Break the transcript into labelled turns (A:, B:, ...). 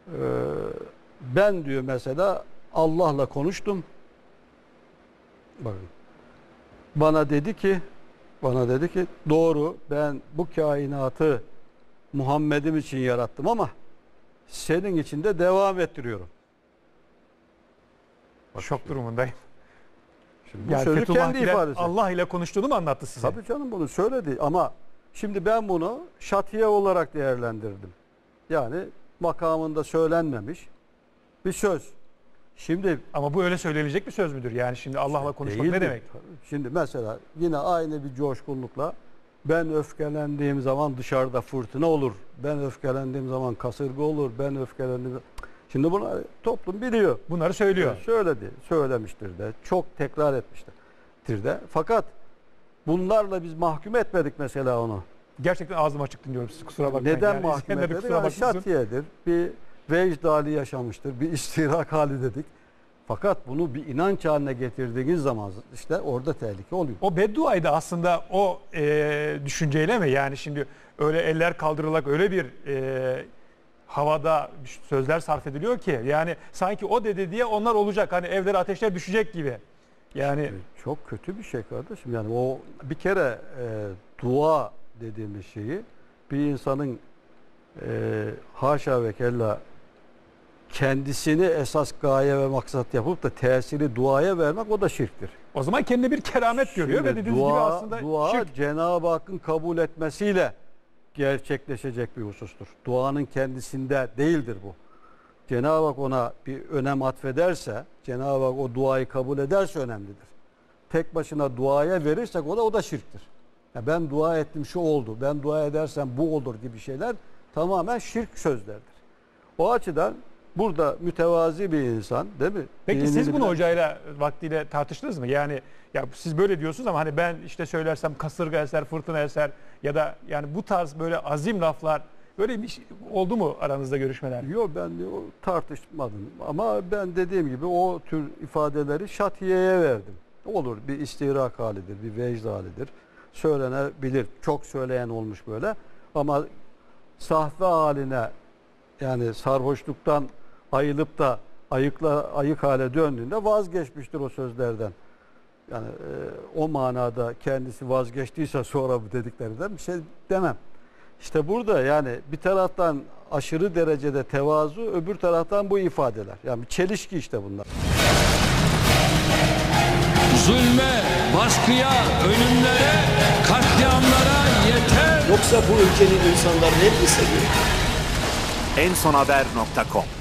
A: Ben diyor mesela Allah'la konuştum. Bakın. Bana dedi ki doğru, ben bu kainatı Muhammed'im için yarattım ama senin için de devam ettiriyorum.
B: Bak, şok durumundayım.
A: Şimdi bu sözü kendi ifadesi.
B: Allah ile konuştuğunu mu anlattı size?
A: Tabii canım, bunu söyledi ama şimdi ben bunu şatiye olarak değerlendirdim. Yani makamında söylenmemiş bir söz. Şimdi
B: ama bu öyle söylenecek bir söz müdür? Yani şimdi Allah'la konuşmak ne demek?
A: Şimdi mesela yine aynı bir coşkunlukla ben öfkelendiğim zaman dışarıda fırtına olur. Ben öfkelendiğim zaman kasırga olur. Ben öfkelendiğim. Şimdi bunu toplum biliyor.
B: Bunları söylüyor.
A: Söyledi, söylemiştir de, çok tekrar etmiştir de. Fakat bunlarla biz mahkum etmedik mesela onu.
B: Gerçekten ağzım açık dinliyorum sizi, kusura bakmayın.
A: Neden
B: yani
A: mahkum etmedik? Yani şatiyedir, bir vecd hali yaşamıştır, bir istirak hali dedik. Fakat bunu bir inanç haline getirdiğiniz zaman işte orada tehlike oluyor.
B: O bedduayı da aslında o düşünceyle mi? Yani şimdi öyle eller kaldırılarak öyle bir havada sözler sarf ediliyor ki yani sanki o dedi diye onlar olacak. Hani evlere ateşler düşecek gibi. Yani
A: çok kötü bir şey kardeşim. Yani o bir kere dua dediğimiz şeyi bir insanın haşa ve kella kendisini esas gaye ve maksat yapıp da tesiri duaya vermek, o da şirktir.
B: O zaman kendine bir keramet görüyor ve dediğiniz gibi aslında
A: dua
B: şirk.
A: Cenab-ı Hakk'ın kabul etmesiyle gerçekleşecek bir husustur. Duanın kendisinde değildir bu. Cenab-ı Hak ona bir önem atfederse, Cenab-ı Hak o duayı kabul ederse önemlidir. Tek başına duaya verirsek o da şirktir. Ya ben dua ettim, şu oldu, ben dua edersem bu olur gibi şeyler tamamen şirk sözlerdir. O açıdan burada mütevazi bir insan, değil mi?
B: Peki siz bunu hocayla vaktiyle tartıştınız mı? Yani ya siz böyle diyorsunuz ama hani ben işte söylersem kasırga eser, fırtına eser ya da yani bu tarz böyle azim laflar, böyle bir şey oldu mu aranızda görüşmeler?
A: Yok, ben tartışmadım ama ben dediğim gibi o tür ifadeleri şatiyeye verdim. Olur, bir istihrak halidir, bir vecd halidir. Söylenebilir. Çok söyleyen olmuş böyle ama sahve haline, yani sarhoşluktan ayılıp da ayık hale döndüğünde vazgeçmiştir o sözlerden. Yani o manada kendisi vazgeçtiyse sonra bu dediklerinden bir şey demem. İşte burada yani bir taraftan aşırı derecede tevazu, öbür taraftan bu ifadeler. Yani bir çelişki işte bunlar.
C: Zulme, baskıya, ölümlere, katliamlara yeter.
D: Yoksa bu ülkenin insanları hep mi seviyor?
E: ensonhaber.com